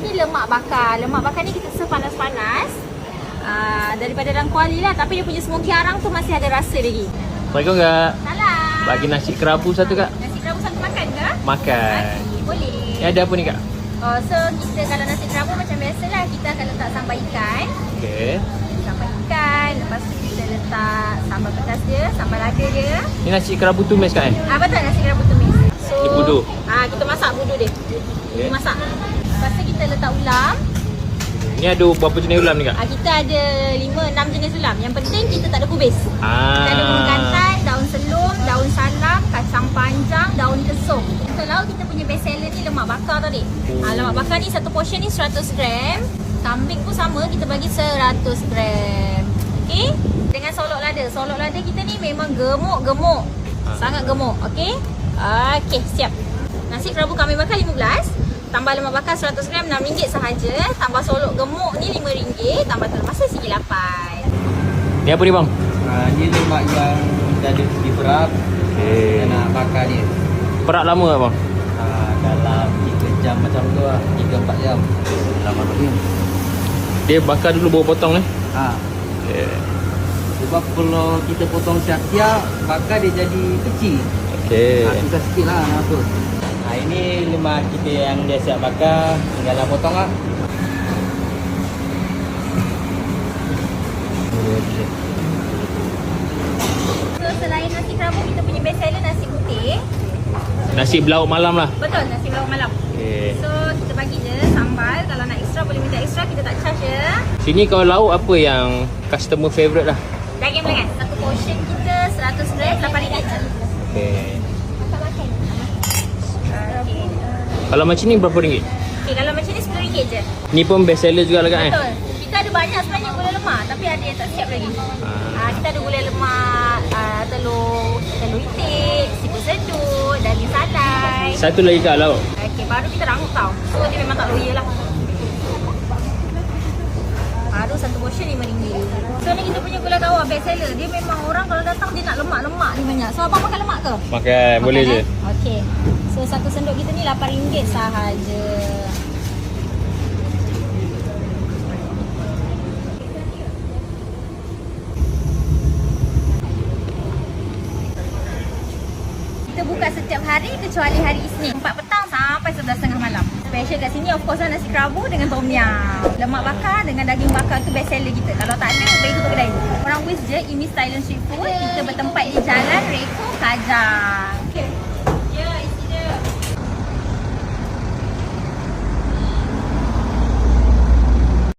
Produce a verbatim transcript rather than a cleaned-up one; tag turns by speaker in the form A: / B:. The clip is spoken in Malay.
A: ni lemak bakar. Lemak bakar ni kita serve panas-panas. Uh, daripada orang Kuala lah, tapi dia punya smoky arang tu masih ada rasa lagi.
B: Assalamualaikum kak.
A: Salam.
B: Bagi nasi kerabu satu kak.
A: Nasi kerabu satu makan ke?
B: Makan.
A: Okay, boleh.
B: Ni ada apa ni kak?
A: Oh, so kita kalau nasi kerabu macam biasalah, kita akan letak sambal ikan.
B: Okey.
A: Sambal ikan, lepas tu kita letak sambal pedas dia, sambal lada dia.
B: Ni nasi kerabu tumis kak eh?
A: Ah, betul, nasi kerabu tumis. So,
B: Ni budu.
A: Ah, kita masak budu dia.
B: Okay.
A: Kita masak. Lepas tu kita letak ulam.
B: Ni ada berapa jenis ulam ni kak?
A: Ah, kita ada lima enam jenis ulam. Yang penting kita tak ada kubis.
B: Ah.
A: Kita ada bunga kantan, daun selum, daun salam, kacang panjang, daun kesum. Kalau kita punya best seller ni lemak bakar tadi. Oh. Ah, lemak bakar ni satu portion ni seratus gram. Kambing pun sama, kita bagi seratus gram. Okey? Dengan solok lada. Solok lada kita ni memang gemuk-gemuk. Ah. Sangat gemuk. Okey? Okey, siap. Nasi kerabu kambing bakar lima belas. Tambah lemak bakar seratus gram enam ringgit sahaja. Tambah solok gemuk ni lima ringgit. Tambah telur masak segi lapan.
B: Ni apa ni bang?
C: Ha, ni lemak yang kita ada di perap.
B: Okey.
C: Kita nak bakar ni.
B: Perak lama tak bang?
C: Ha, dalam tiga jam macam tu lah. tiga empat jam. Lama ni.
B: Dia bakar dulu baru potong ni.
C: Ha.
B: Okey.
C: Sebab kalau kita potong siap-siap, bakar dia jadi kecil.
B: Okey.
C: Ha, susah sikit lah nak atur. Ha, ini lemak kita yang dia siap bakar. Tinggal lah potong lah.
A: So selain nasi kerabu, kita punya best seller nasi putih.
B: Nasi belauk malam lah.
A: Betul, nasi belauk malam.
B: Okey.
A: So kita bagi je sambal. Kalau nak extra boleh minta extra, kita tak charge je.
B: Sini kalau lauk apa yang customer favourite lah?
A: Daging belengan. Satu portion kita seratus gram lapan ringgit je.
B: Okey.
A: Makan-makan. Okey.
B: Kalau macam ni berapa ringgit?
A: Okey, kalau macam ni sepuluh ringgit je.
B: Ni pun best seller juga lah kak eh?
A: Betul. Kita ada banyak sebenarnya gulai lemak, tapi ada yang tak siap lagi.
B: Ah.
A: Ah, kita ada gulai lemak, ah, telur telur itik, siput sedut, daging salai.
B: Satu lagi kak lauk.
A: Okey, baru kita rangup tau. So dia memang tak loya lah. Baru satu portion lima ringgit. So ni kita punya gulai kawar best seller. Dia memang orang kalau datang dia nak lemak-lemak ni banyak. So abang makan lemak ke?
B: Makan, boleh
A: Makan,
B: je.
A: Eh? Okey. So satu sendok kita ni lapan ringgit sahaja. Kita buka setiap hari kecuali hari Isnin empat petang sampai sebelas tiga puluh malam. Special kat sini of course lah nasi kerabu dengan tom yum. Lemak bakar dengan daging bakar tu best seller kita. Kalau tak ada, bagi tutup kedai. Orang Wis je, Imis Thailand Street Food. Kita bertempat di Jalan Reko Kajang.